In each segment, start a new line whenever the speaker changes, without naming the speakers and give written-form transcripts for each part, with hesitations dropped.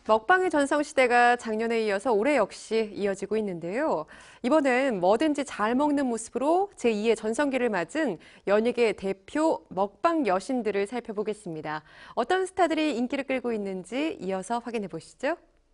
먹방의 전성시대가 작년에 이어서 올해 역시 이어지고 있는데요. 이번엔 뭐든지 잘 먹는 모습으로 제2의 전성기를 맞은 연예계 대표 먹방 여신들을 살펴보겠습니다. 어떤 스타들이 인기를 끌고 있는지 이어서 확인해 보시죠.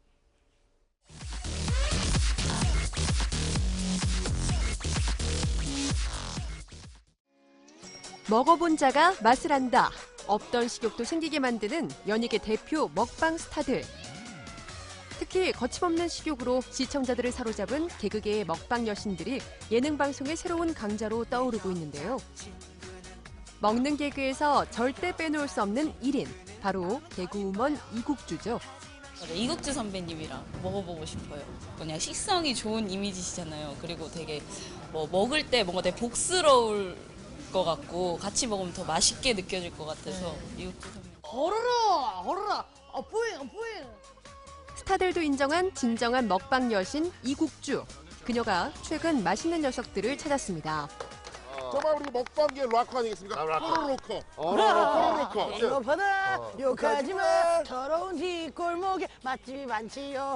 먹어본 자가 맛을 안다. 없던 식욕도 생기게 만드는 연예계 대표 먹방 스타들. 특히 거침없는 식욕으로 시청자들을 사로잡은 개그계의 먹방 여신들이 예능 방송의 새로운 강자로 떠오르고 있는데요. 먹는 개그에서 절대 빼놓을 수 없는 1인, 바로 개그우먼 이국주죠.
이국주 선배님이랑 먹어보고 싶어요. 그냥 식성이 좋은 이미지시잖아요. 그리고 되게 먹을 때 뭔가 되게 복스러울 것 같고 같이 먹으면 더 맛있게 느껴질 것 같아서 이국주 선배님.
허르라, 뿌잉.
스타들도 인정한 진정한 먹방 여신 이국주. 그녀가 최근 맛있는 녀석들을 찾았습니다.
정말 우리 먹방계 락커 아니겠습니까? 포로로커. 포로로커.
이거 받아 욕하지마. 더러운 뒷골목에 맛집이 많지요.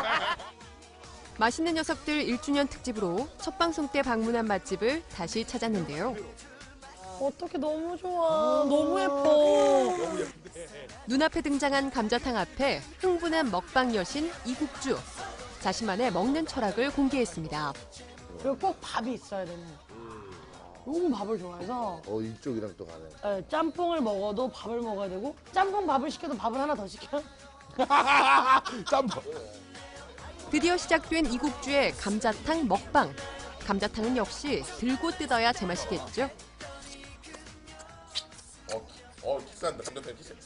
맛있는 녀석들 1주년 특집으로 첫 방송 때 방문한 맛집을 다시 찾았는데요.
어떻게 너무 좋아. 너무 예뻐.
눈앞에 등장한 감자탕 앞에 흥분한 먹방 여신 이국주. 자신만의 먹는 철학을 공개했습니다.
그리고 꼭 밥이 있어야 되는. 너무 밥을 좋아해서
이쪽이랑 또 가네.
짬뽕을 먹어도 밥을 먹어야 되고 짬뽕 밥을 시켜도 밥을 하나 더 시켜.
짬뽕.
드디어 시작된 이국주의 감자탕 먹방. 감자탕은 역시 들고 뜯어야 제맛이겠죠.
키스한다. 감자탕 키스.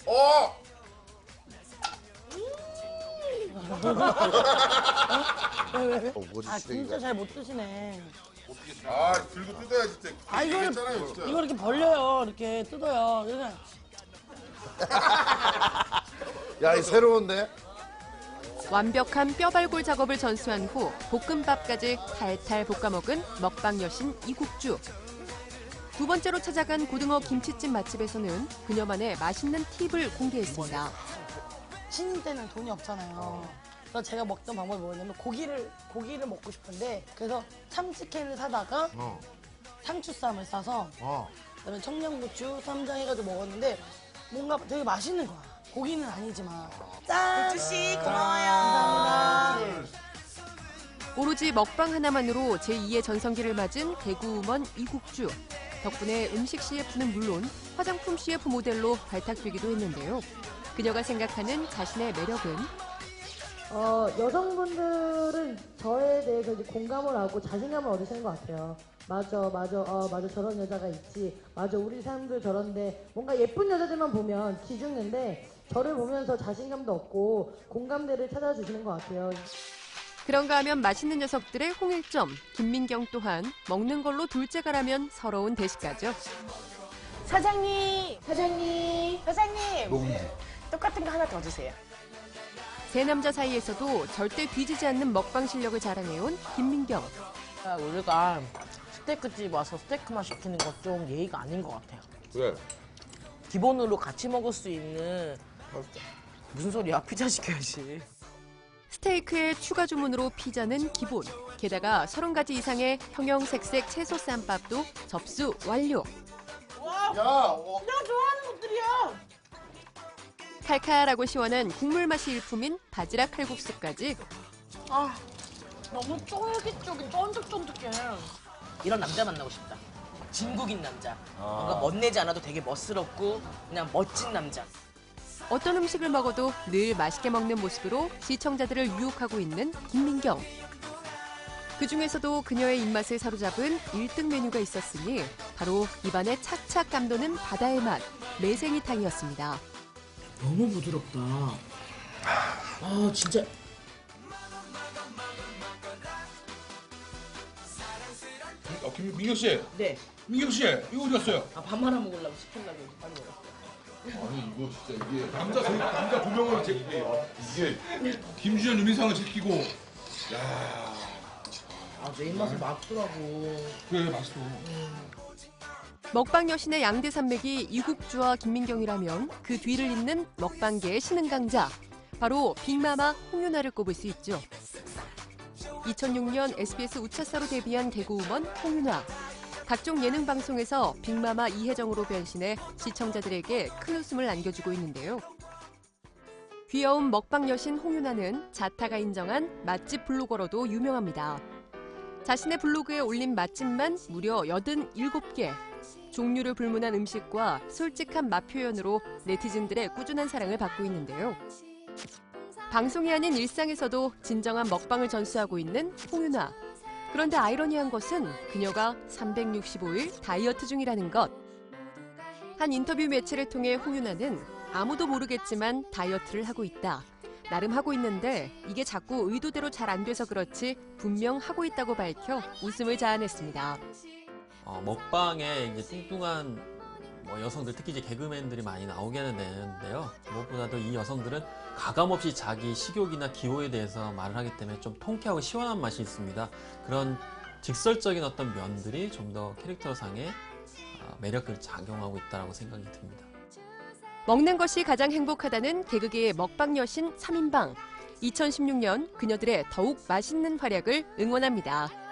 왜?
뭐지,
아 진짜
시래기가.
잘 못 드시네.
들고 뜯어야 진짜.
이거 이렇게 벌려요. 이렇게 뜯어요. 그냥
야, 이 새로운데?
완벽한 뼈발골 작업을 전수한 후 볶음밥까지 탈탈 볶아 먹은 먹방 여신 이국주. 두 번째로 찾아간 고등어 김치찜 맛집에서는 그녀만의 맛있는 팁을 공개했습니다.
신인 때는 돈이 없잖아요. 그래서 제가 먹던 방법이 뭐였냐면 고기를 먹고 싶은데 그래서 참치캔을 사다가 상추쌈을 싸서 그다음에 청양고추, 쌈장 해가지고 먹었는데 뭔가 되게 맛있는 거야. 고기는 아니지만. 짠!
국주씨 고마워요.
감사합니다.
오로지 먹방 하나만으로 제2의 전성기를 맞은 개그우먼 이국주. 덕분에 음식 CF는 물론 화장품 CF 모델로 발탁되기도 했는데요. 그녀가 생각하는 자신의 매력은
여성분들은 저에 대해서 이제 공감을 하고 자신감을 얻으시는 것 같아요. 맞아, 저런 여자가 있지. 맞아, 우리 사람들 저런데 뭔가 예쁜 여자들만 보면 기죽는데 저를 보면서 자신감도 얻고 공감대를 찾아주시는 것 같아요.
그런가 하면 맛있는 녀석들의 홍일점, 김민경 또한 먹는 걸로 둘째가라면 서러운 대식가죠.
사장님,
녹음.
똑같은 거 하나 더 주세요.
세 남자 사이에서도 절대 뒤지지 않는 먹방 실력을 자랑해온 김민경.
우리가 스테이크집 와서 스테이크만 시키는 건 좀 예의가 아닌 것 같아요.
왜?
기본으로 같이 먹을 수 있는 무슨 소리야? 피자 시켜야지.
스테이크에 추가 주문으로 피자는 기본. 게다가 30가지 이상의 형형색색 채소 쌈밥도 접수 완료.
야,
내가 좋아하는 것들이야.
칼칼하고 시원한 국물 맛이 일품인 바지락 칼국수까지.
너무 쫀득쫀득해.
이런 남자 만나고 싶다. 진국인 남자. 뭔가 멋내지 않아도 되게 멋스럽고 그냥 멋진 남자.
어떤 음식을 먹어도 늘 맛있게 먹는 모습으로 시청자들을 유혹하고 있는 김민경. 그중에서도 그녀의 입맛을 사로잡은 1등 메뉴가 있었으니 바로 입안에 착착 감도는 바다의 맛, 매생이탕이었습니다.
너무 부드럽다. 진짜.
민경 씨,
네.
민경 씨, 이거 어디 갔어요?
밥 하나 먹으려고 시키려고 빨리 먹었어요.
아니 이거 진짜 이게 남자 두 명을 이게 김주현 윤희상을 제끼고, 야,
내 입맛에 맞더라고.
그래 맛있어.
먹방 여신의 양대 산맥이 이국주와 김민경이라면 그 뒤를 잇는 먹방계의 신흥 강자. 바로 빅마마 홍윤아를 꼽을 수 있죠. 2006년 SBS 우차사로 데뷔한 개그우먼 홍윤아. 각종 예능 방송에서 빅마마 이혜정으로 변신해 시청자들에게 큰 웃음을 안겨주고 있는데요. 귀여운 먹방 여신 홍윤아는 자타가 인정한 맛집 블로거로도 유명합니다. 자신의 블로그에 올린 맛집만 무려 87개. 종류를 불문한 음식과 솔직한 맛 표현으로 네티즌들의 꾸준한 사랑을 받고 있는데요. 방송이 아닌 일상에서도 진정한 먹방을 전수하고 있는 홍윤아. 그런데 아이러니한 것은 그녀가 365일 다이어트 중이라는 것. 한 인터뷰 매체를 통해 홍윤아는 아무도 모르겠지만 다이어트를 하고 있다. 나름 하고 있는데 이게 자꾸 의도대로 잘 안 돼서 그렇지 분명 하고 있다고 밝혀 웃음을 자아냈습니다.
먹방에 이제 뚱뚱한 여성들, 특히 이제 개그맨들이 많이 나오게 되는데요. 무엇보다도 이 여성들은 가감없이 자기 식욕이나 기호에 대해서 말을 하기 때문에 좀 통쾌하고 시원한 맛이 있습니다. 그런 직설적인 어떤 면들이 좀 더 캐릭터상의 매력을 작용하고 있다고 생각이 듭니다.
먹는 것이 가장 행복하다는 개그계의 먹방 여신 3인방. 2016년 그녀들의 더욱 맛있는 활약을 응원합니다.